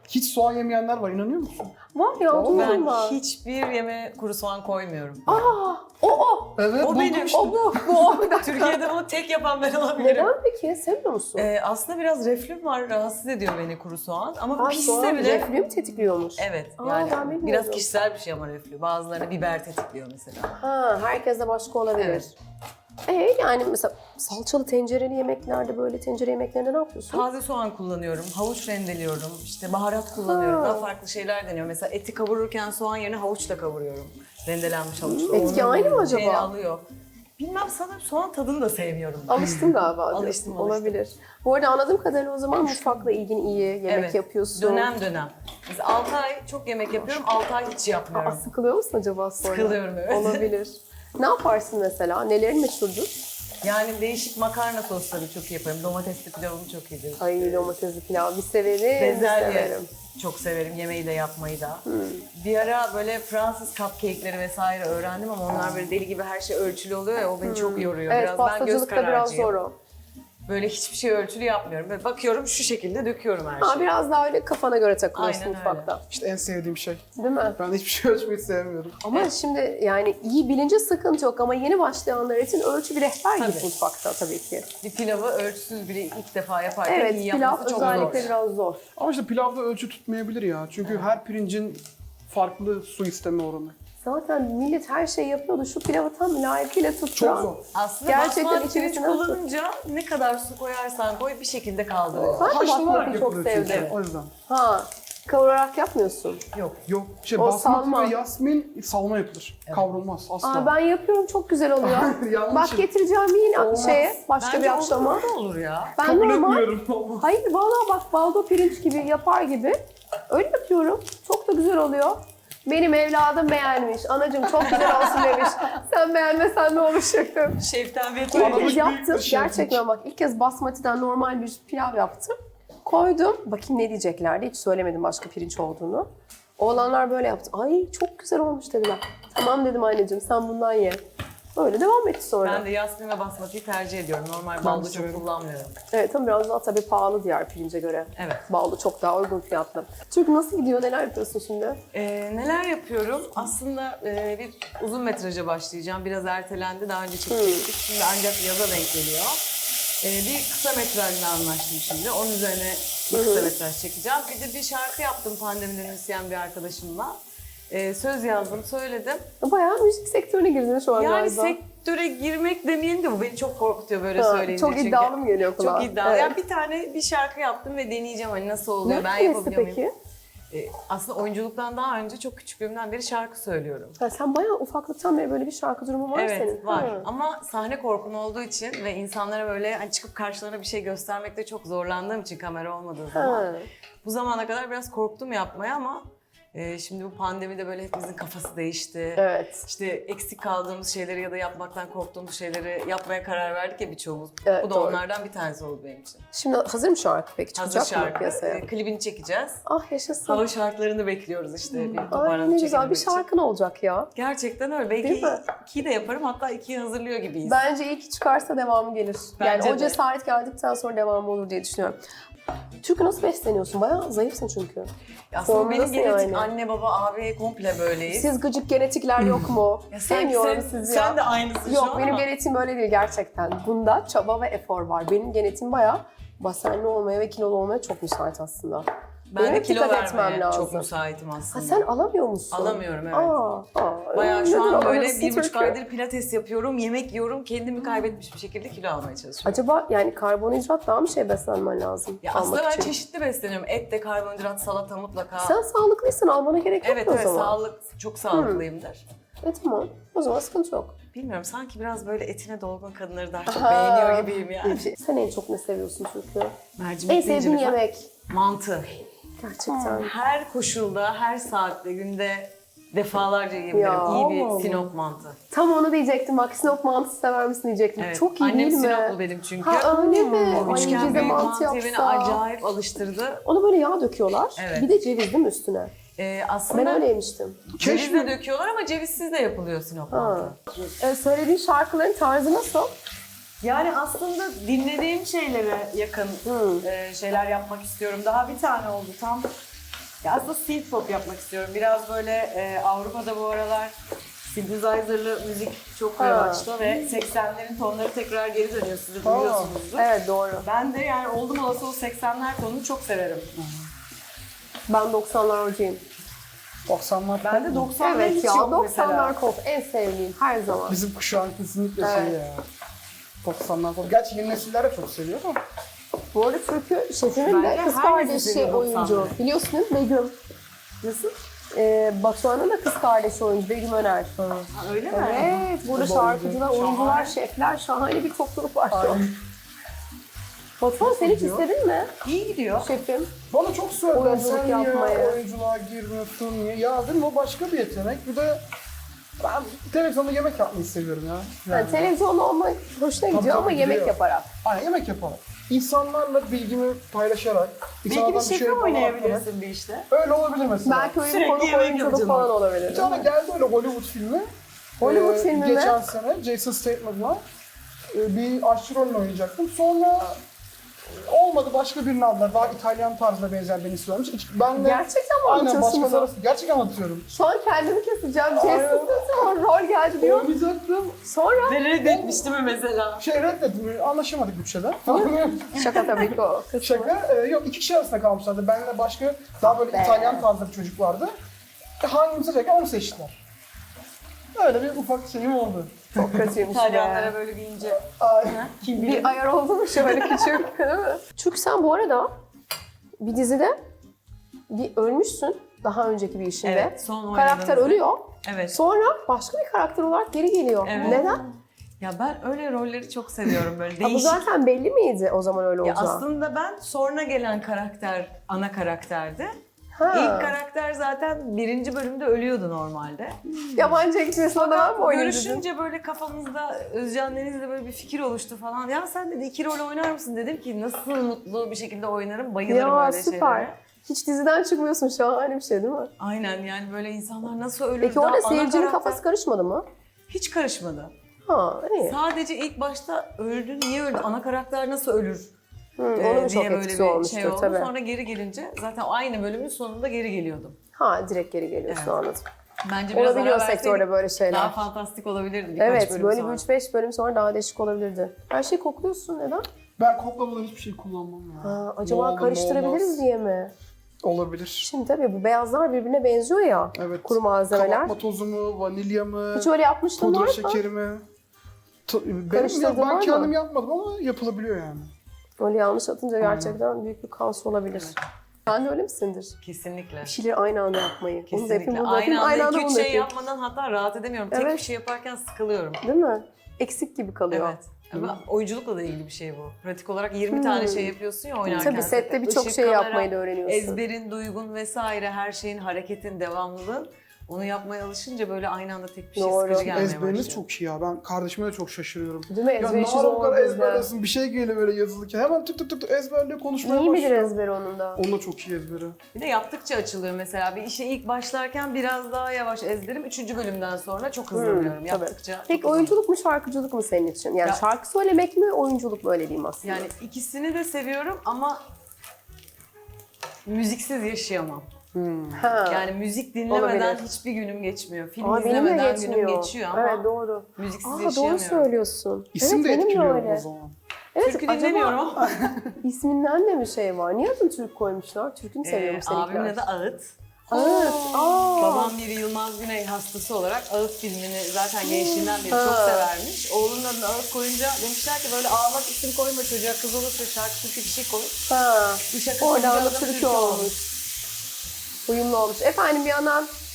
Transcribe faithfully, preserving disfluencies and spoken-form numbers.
Hiç soğan yemeyenler var, inanıyor musun? Var ya, O, duydum Ben ben. hiçbir yemeğe kuru soğan koymuyorum. Aa, o o. Evet, O buldum benim. işte. O bu. Bu o. Bir dakika. Türkiye'de bunu tek yapan ben olabilirim. Neden peki? Sevmiyor musun? Ee, aslında biraz reflüm var, rahatsız ediyor beni kuru soğan. Ama Aa, pişse soğan bile... reflüyü mü tetikliyormuş? Evet, Aa, yani ben bilmiyordum. biraz kişisel bir şey ama reflü. Bazılarına biber tetikliyor mesela. Ha, herkes de başka olabilir. Evet. Ee, yani mesela salçalı tencereli yemeklerde, böyle tencere yemeklerinde ne yapıyorsun? Taze soğan kullanıyorum, havuç rendeliyorum, işte baharat kullanıyorum, Ha. daha farklı şeyler deniyorum. Mesela eti kavururken soğan yerine havuçla kavuruyorum. Rendelenmiş havuçla. Etki Onun aynı mı şeyini acaba? alıyor. Bilmem, sanırım soğan tadını da sevmiyorum. ben. Alıştın galiba. Alıştım, diyorsun. alıştım. Olabilir. Bu arada anladığım kadarıyla o zaman mutfakla ilgin iyi, yemek Evet, yapıyorsun. dönem dönem. Mesela altı ay çok yemek yapıyorum, altı ay hiç yapmıyorum. Aa, sıkılıyor musun acaba sonra? Sıkılıyorum, evet. Olabilir. Ne yaparsın mesela? Nelerin meşhurdur? Yani değişik makarna sosları çok iyi yaparım. Domatesli pilavımı çok iyidir. Ay, domatesli pilav bir severim, Bezelye severim. çok severim, yemeği de yapmayı da. Bir ara böyle Fransız cupcake'leri vesaire öğrendim ama onlar böyle deli gibi her şey ölçülü oluyor ya, o beni çok yoruyor. Evet, biraz ben göz pastacılıkta biraz kararcıyım. zor o. Böyle hiçbir şey ölçülü yapmıyorum. Böyle bakıyorum, şu şekilde döküyorum her Ha, şeyi. biraz daha öyle kafana göre takılıyorsun Aynen mutfakta. İşte en sevdiğim şey. Değil mi? Ben hiçbir şey ölçmeyi sevmiyorum. Ama şimdi yani iyi bilince sıkıntı yok ama yeni başlayanlar için ölçü bir rehber gibi Tabii. mutfakta tabii ki. Bir pilavı ölçüsüz biri ilk defa yaparken Evet, iyi pilav yapması çok özellikle zor. biraz zor. Ama işte pilavda ölçü tutmayabilir ya. Çünkü her pirincin farklı su isteme oranı. Zaten millet her şeyi yapıyordu. Şu pilavı tam layıkıyla tutturan. Çok zor. Aslında Gerçekten basmati pirinç içerisine nasıl- kullanınca ne kadar su koyarsan koy bir şekilde kaldırıyor. Ben de Haşlanarak basmatiyi çok yapılıyor çünkü. sevdim. O yüzden. Ha, kavurarak yapmıyorsun. Yok. Yok, şey O basmati salma. ve yasmin salma yapılır. Kavrulmaz asla. Aa, ben yapıyorum, çok güzel oluyor. Yanlış. Bak, getireceğim yine Olmaz. şeye, başka Bence bir akşama. olur da olur ya. Ben Kabul normal, etmiyorum. Olmaz. hayır vallahi bak, baldo pirinç gibi yapar gibi öyle yapıyorum. Çok da güzel oluyor. Benim evladım beğenmiş. Anacığım çok güzel olsun demiş. Sen beğenmesen ne olacaktım? Şeften ve İlk Analık kez büyük yaptım. bir şey. Gerçekten bak, ilk kez basmatiden normal bir pilav yaptım. Koydum. Bakayım ne diyeceklerdi. Hiç söylemedim başka pirinç olduğunu. Oğlanlar böyle yaptı. Ay çok güzel olmuş dediler. Tamam dedim anneciğim, sen bundan ye. Böyle devam etti sonra. Ben de yasmin ve basmatiyi tercih ediyorum. Normal de baldo çok severim. kullanmıyorum. Evet, ama biraz daha tabii pahalı diğer pirince göre. Evet. Baldo çok daha uygun fiyatlı. Türk nasıl gidiyor? Neler yapıyorsun şimdi? Ee, neler yapıyorum? Aslında e, bir uzun metraja başlayacağım. Biraz ertelendi. Daha önce çekecektik. Şimdi ancak yaza denk geliyor. Ee, bir kısa metrajla anlaştım şimdi. Onun üzerine bir kısa metraj çekeceğim. Bir de bir şarkı yaptım pandemiden müzisyen bir arkadaşımla. Ee, söz yazdım, söyledim. Bayağı müzik sektörüne girdin şu an Yani galiba. sektöre girmek demeyelim de bu beni çok korkutuyor böyle Ha, söyleyince. çok çünkü. iddialı mı geliyor kulağa? Çok iddialı. Evet. Yani bir tane bir şarkı yaptım ve deneyeceğim hani nasıl oluyor, ben Neresi yapabiliyor muyum? peki? Ee, aslında oyunculuktan daha önce çok küçüklüğümden beri şarkı söylüyorum. Ha, sen bayağı ufaklıktan beri böyle bir şarkı durumu var Evet senin. var Ha. ama sahne korkum olduğu için ve insanlara böyle hani çıkıp karşılarına bir şey göstermekte çok zorlandığım için kamera olmadığı zaman. Ha. Bu zamana kadar biraz korktum yapmaya ama e, şimdi bu pandemide böyle hepimizin kafası değişti. Evet. İşte eksik kaldığımız şeyleri ya da yapmaktan korktuğumuz şeyleri yapmaya karar verdik ya birçoğumuz. Evet, Bu da doğru. onlardan bir tanesi oldu benim için. Şimdi hazır mı şarkı peki? Hazır Çıkacak mı şarkı, piyasaya? e, klibini çekeceğiz. Ah yaşasın. Hava şartlarını bekliyoruz işte bir Ay toparlanıp ne güzel bir çekebilmek için. şarkın olacak ya. Gerçekten öyle. Değil Belki mi? ikiyi de yaparım, hatta ikiyi hazırlıyor gibiyiz. Bence iyi ki çıkarsa devamı gelir. Bence yani o de. cesaret geldikten sonra devamı olur diye düşünüyorum. Çünkü nasıl besleniyorsun? Bayağı zayıfsın çünkü. Aslında benim Formdasın genetik yani. anne baba abi komple böyleyiz. Siz gıcık genetikler yok mu? Ya sen- Sevmiyorum sen- sizi ya. sen de aynısın şu Yok an benim ama. genetiğim öyle değil gerçekten. Bunda çaba ve efor var. Benim genetiğim bayağı basenli olmaya ve kilolu olmaya çok müsait aslında. Ben Benim de kilo dikkat etmem vermeye lazım. çok müsaitim Ha aslında. sen alamıyor musun? Alamıyorum, evet. Aa, aa, Bayağı neden şu an böyle alamıyorsun bir buçuk Türkiye? aydır pilates yapıyorum, yemek yiyorum, kendimi kaybetmiş bir şekilde kilo almaya çalışıyorum. Acaba yani karbonhidrat daha mı şey beslenmen lazım? Ya almak aslında ben için? çeşitli besleniyorum. Et de, karbonhidrat, salata mutlaka. Sen sağlıklıysan almana gerek yok Evet o evet, zaman. sağlık, çok sağlıklıyımdır. E tamam. O zaman sıkıntı yok. Bilmiyorum, sanki biraz böyle etine dolgun kadınları daha çok Aha. beğeniyor gibiyim yani. Sen en çok ne seviyorsun çünkü? Mercimek En deyince sevdiğin mesela yemek. Mantı. Gerçekten. Her koşulda, her saatte, günde defalarca yiyebilirim. Ya, İyi bir Allah Allah. Sinop mantı. Tam onu diyecektim. Bak Sinop mantısı sever misin diyecektim. Evet. Çok iyi Annem değil mi? Sinoplu benim çünkü. Ha öyle mi? O Ay, üçgen bize büyük mantı mantıyı beni yapsa. acayip alıştırdı. Onu böyle yağ döküyorlar. Evet. Bir de ceviz değil mi üstüne? Ee, Ben aslında öyle yemiştim. ceviz de döküyorlar ama cevizsiz de yapılıyor Sinop Ha. mantı. Ee, söylediğin şarkıların tarzı nasıl? Yani aslında dinlediğim şeylere yakın Hmm. e, şeyler yapmak istiyorum. Daha bir tane oldu tam. Ya aslında synth pop yapmak istiyorum. Biraz böyle e, Avrupa'da bu aralar synthesizer'lı müzik çok Ha. revaçta ve seksenlerin tonları tekrar geri dönüyor, siz de Ha. duyuyorsunuzdur. Evet doğru. Ben de yani oldum olası o seksenler tonunu çok severim. Ben doksanlarcıyım. doksanlar Ben de doksanlar Evet hiç ya yok doksanlar mesela. pop en sevdiğim her zaman. Bizim kuşağın kesinlikle Evet. şey ya. doksanlar pop. Gerçi yeni nesiller de çok seviyor ama. Bu arada Türkü şefinin de Bence kız herkes kardeşi seviyor oyuncu. doksanları. Biliyorsun değil mi Begüm? Nasıl? Ee, Batuhan'ın da kız kardeşi oyuncu Begüm Öner. Ha, öyle mi? Evet, burada Bu şarkıcılar, oyuncu. oyuncular, Şahane. şefler, şahane bir topluluk var şu an. Aynen. Batuhan sen hiç gidiyor? istedin mi İyi gidiyor. şefim? Bana çok söylediler, Oyunculuk sen niye yapmayı. oyunculuğa girmiyorsun, niye? Ya dedim o başka bir yetenek. Bir de ben televizyonda yemek yapmayı seviyorum ya. Yani televizyonda olmak hoşuna gidiyor Tabii, ama tabii, yemek gidiyor. yaparak. Aynen yemek yaparak. İnsanlarla bilgimi paylaşarak. Belki bir insanlardan şefi şey yaparak- oynayabilirsin bir işte. Öyle olabilir mesela. Belki öyle Sürekli konuk yemek oyunculuk yapacağım. falan olabilir. Bir tane geldi öyle Hollywood filmi. Hollywood Ee, filmi mi? Geçen sene Jason Statham'la e, bir aşçı rolünü oynayacaktım. Sonra e, olmadı, başka birini aldılar. Daha İtalyan tarzına benzer beni söylemiş. Hiç- Ben de Gerçekten mi aynen anlatıyorsun başkası bunu? arası. Gerçekten anlatıyorum. Şu an kendimi keseceğim. Aynen. Jason Statham rol geldi diyor. Oynayacaktım. Sonra Ve reddetmişti mi mesela? Şey reddettim, anlaşamadık bütçeden. şaka tabii ki o kısmı. Şaka. E, yok iki kişi arasında kalmışlardı. Benle başka daha böyle Be. İtalyan tarzı bir çocuk vardı. E, hangimizi seçerken onu seçtiler. Öyle bir ufak şeyim oldu. Çok kötüymüş İtalyanlara be. böyle bir ince. Ay. Kim bilir? Bir ayar oldu mu şöyle küçük değil mi? Çünkü sen bu arada bir dizide bir ölmüşsün daha önceki bir işinde. Evet, son Karakter oynadığınızda. ölüyor. Evet. Sonra başka bir karakter olarak geri geliyor. Evet. Neden? Ya ben öyle rolleri çok seviyorum böyle Ha, bu değişik. zaten belli miydi o zaman öyle Ya olacağı? aslında ben sonra gelen karakter ana karakterdi. Ha. İlk karakter zaten birinci bölümde ölüyordu normalde. Yabancı ekşisine de ben mi oynayayım dedin? Görüşünce böyle kafamızda Özcan Deniz'le böyle bir fikir oluştu falan. Ya sen dedi iki rol oynar mısın dedim ki nasıl mutlu bir şekilde oynarım, bayılırım Ya öyle süper. şeylere. Hiç diziden çıkmıyorsun, şahane bir şey değil mi? Aynen yani böyle insanlar nasıl ölür Peki daha orada ana seyircinin karakter- kafası karışmadı mı? Hiç karışmadı. Ha iyi. Sadece ilk başta öldü, niye öldü, ana karakter nasıl ölür Hı, e, onun çok diye böyle etkisi bir olmuştur şey oldu. tabii. Sonra geri gelince zaten aynı bölümün sonunda geri geliyordum. Ha direkt geri geliyorsun Evet. anladım. Bence biraz Olabiliyor ara verseydik sektörde böyle şeyler. daha fantastik olabilirdi birkaç Evet bölüm böyle sonra. bir üç beş bölüm sonra daha değişik olabilirdi. Her şeyi kokluyorsun neden? Ben koklamadan hiçbir şey kullanmam ya. Ha, Ne acaba olur, ne karıştırabiliriz olmaz. diye mi? Olabilir. Şimdi tabii bu beyazlar birbirine benziyor ya. Evet. Kuru malzemeler. Kabartma tozu mu, vanilya mı, Hiç öyle yapmıştın var pudra mı? şekeri mi? Ta- Benim Karıştırdın ya, var ben mı? kendim yapmadım ama yapılabiliyor yani. Öyle yanlış atınca gerçekten büyük bir kaos olabilir. Sen de öyle misindir? Kesinlikle. Bir şeyleri aynı anda yapmayı. Onu da yapayım, Kesinlikle. bunu da yapayım, Aynı aynı anda anda iki bunu üç da şey yapayım. yapmadan hatta rahat edemiyorum. Tek Evet. bir şey yaparken sıkılıyorum. Değil mi? Eksik gibi kalıyor. Evet. Ama oyunculukla da ilgili bir şey bu. Pratik olarak yirmi tane şey yapıyorsun ya oynarken. Hmm. Tabii sette birçok Işık, şey kamera, yapmayı da öğreniyorsun. Ezberin, duygun vesaire her şeyin, hareketin, devamlılığın. Onu yapmaya alışınca böyle aynı anda tek bir şey Doğru. sıkıcı gelmeye Ezberiniz başlıyor. çok iyi ya. Ben kardeşime de çok şaşırıyorum. Değil mi? Ya Ezber ne işi ara bu zor kadar bizde. ezberlesin, bir şey geliyor böyle yazılırken. Hemen tık tık tık tık ezberliyor, konuşmaya İyi midir başlıyor. ezberi onun da? Onun da çok iyi ezberi. Bir de yaptıkça açılıyor mesela. Bir işe ilk başlarken biraz daha yavaş ezberim. Üçüncü bölümden sonra çok hızlanıyorum. Hmm, Yaptıkça çok Peki hızlanıyorum. oyunculuk mu şarkıcılık mı senin için? Yani Ya- şarkı söylemek mi oyunculuk mu öyle diyeyim aslında? Yani ikisini de seviyorum ama müziksiz yaşayamam. ha. Yani müzik dinlemeden Olabilir. hiçbir günüm geçmiyor. Film Aa, benim de izlemeden geçmiyor. günüm geçiyor ama Evet doğru. müziksiz Aa doğru yaşayamıyorum. söylüyorsun. İsim evet, de benim etkiliyor öyle. o zaman. Evet, Türkü acaba dinlemiyorum ama. isminden de bir şey var. Niye adını Türk koymuşlar? Türk'ünü seviyorum Ee, seninkiler. abimin adı Ağıt. Evet. Aa. Babam bir Yılmaz Güney hastası olarak Ağıt filmini zaten gençliğinden beri Ha. çok severmiş. Oğlunun adını Ağıt koyunca demişler ki böyle ağlak isim koyma çocuğa, kız olursa şarkı türkü bir şey koy. Ha. Bu şaka Oradan sonucu da adam Türkü olmuş. Uyumlu olmuş. Efendim bir yandan